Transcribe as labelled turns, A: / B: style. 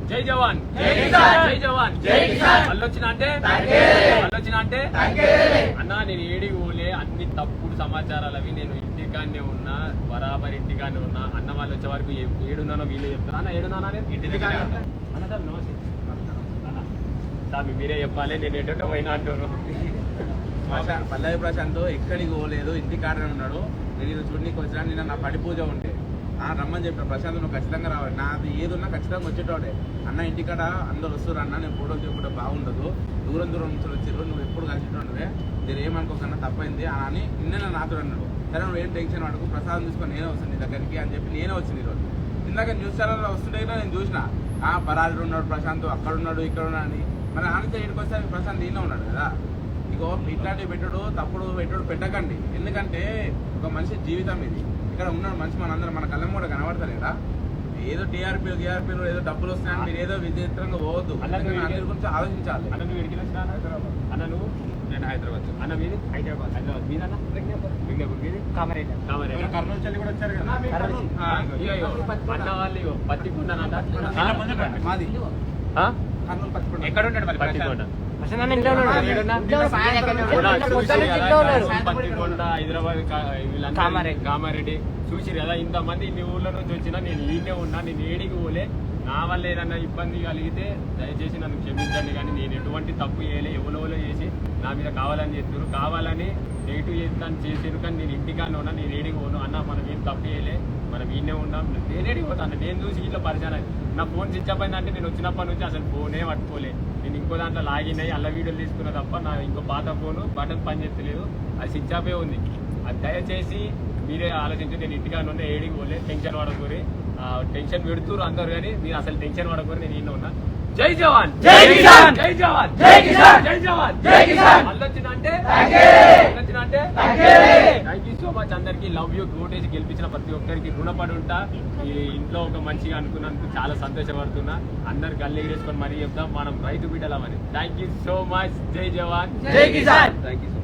A: జై జవాన్ జై జవాన్ మళ్ళొచ్చిన అంటే అన్న నేను ఏడికి పోలే అన్ని తప్పుడు సమాచారాలు అవి నేను ఇంటికాన్నే ఉన్నా బరాబర్ ఇంటికాన్నే ఉన్నా అన్న వాళ్ళు వచ్చే వరకు ఏడున్నానో వీళ్ళు చెప్తారా అన్న ఏడున్నానా ఇంటి అన్న సార్ మీరే చెప్పాలి నేను ఎటో పోయినా అంటారు.
B: పల్లవి ప్రశాంత్ ఎక్కడికి పోలేదు ఇంటికాడనే ఉన్నాడు. నేను చూడనీకి వచ్చినా నిన్న నా పడి పూజ ఉంటే రమ్మని చెప్పిన ప్రశాంత్ నువ్వు ఖచ్చితంగా రావాలి నాది ఏది ఉన్నా ఖచ్చితంగా వచ్చేటోడే అన్న ఇంటికాడ అందరు వస్తారు అన్న నేను ఫోటోలు తీసుకుంటే బాగుండదు దూరం నుంచి వచ్చారు నువ్వు ఎప్పుడు కలిసిటోండవే నేను ఏమనుకోకన్నా తప్పైంది అని నిన్న నాతో అన్నాడు. సరే నువ్వు ఏం టెన్షన్ పడకు ప్రసాదం తీసుకొని నేనే వస్తాను నీ దగ్గరికి అని చెప్పి నేనే వచ్చింది ఈరోజు. ఇందాక న్యూస్ ఛానల్లో వస్తుంటే నేను చూసిన పరాడు ఉన్నాడు ప్రశాంత్ అక్కడ ఉన్నాడు ఇక్కడ ఉన్నాడు అని మరి ఆనంద ఇంటికి వస్తే ప్రశాంత్ ఈయన ఉన్నాడు కదా. ఇగో ఇట్లాంటివి పెట్టుడు తప్పుడు పెట్టుడు పెట్టకండి. ఎందుకంటే ఒక మనిషి జీవితం ఇది. ఇక్కడ ఉన్నాడు మనిషి మనందరం మన కళ్ళం కూడా కనబడతలేదా ఏదో టీఆర్పీలు ఏదో డబ్బులు వస్తున్నాయని మీరు ఏదో విచిత్రంగా పోవద్దు. అందరి గురించి ఆలోచించాలి.
A: అన్న నువ్వు
B: నేను హైదరాబాద్
A: అన్న మీది హైదరాబాద్ మీది
B: కర్నూలు చెల్లి కూడా వచ్చారు కదా
A: అన్న వాళ్ళు పత్తికొండ
B: మాది కర్నూలు పత్తికొండ.
A: ఎక్కడ ఉంటాడు మరి పత్తికొండ పత్తికొండ హైదరాబాద్ కామారెడ్డి చూసిరు కదా ఇంతమంది ఇన్ని ఊర్ల నుంచి వచ్చినా నేను ఈయనే ఉన్నా నేను ఏడికి పోలే నా వల్ల ఏదన్నా ఇబ్బంది కలిగితే దయచేసి నన్ను క్షమించండి. కానీ నేను ఎటువంటి తప్పు చేయలే ఎవరో చేసి నా మీద కావాలని చెప్తున్నారు కావాలని నెగిటివ్ చేస్తాను చేసారు. కానీ నేను ఇంటికానే ఉన్నా నేను ఏడికి పోను అన్న మనం ఏం తప్పు చేయలే మనం ఈయనే ఉన్నాం నేనేడికి పోతాను. నేను చూసి ఇట్లా పరిచయం నా ఫోన్ స్విచ్ అప్ అయిందంటే నేను వచ్చినప్పటి నుంచి అసలు ఫోనే పట్టుకోలే. నేను ఇంకో దాంట్లో లాగిన్ అయ్యి అల్ల వీడియోలు తీసుకున్నా తప్ప నా ఇంకో పాత ఫోను బటన్ పని చేస్తలేదు అది స్విచ్ ఆఫే ఉంది. అది దయచేసి మీరే ఆలోచించి నేను ఇంటికానే ఉన్నా ఏడికి పోలే టెన్షన్ పడకూరి టెన్షన్ పెడుతున్నారు అందరు కానీ మీరు అసలు టెన్షన్ పడకూరి నేను ఈయన ఉన్నా. జై జవాన్ జై జవాన్ జై జవాన్ జై జవాన్ మళ్ళొచ్చిన అంటే థ్యాంక్ యూ సో మచ్ అందరికి లవ్ యూ ఓటేజ్ గెలిపించిన ప్రతి ఒక్కరికి రుణపడి ఉంటా. ఈ ఇంట్లో ఒక మంచిగా అనుకున్నందుకు చాలా సంతోషపడుతున్నా. అందరు గల్లీ వేసుకొని మరీ చెప్తాం మనం రైతు బిడ్డలమని. థ్యాంక్ యూ సో మచ్ జై జవాన్ జై కిసాన్. Thank you.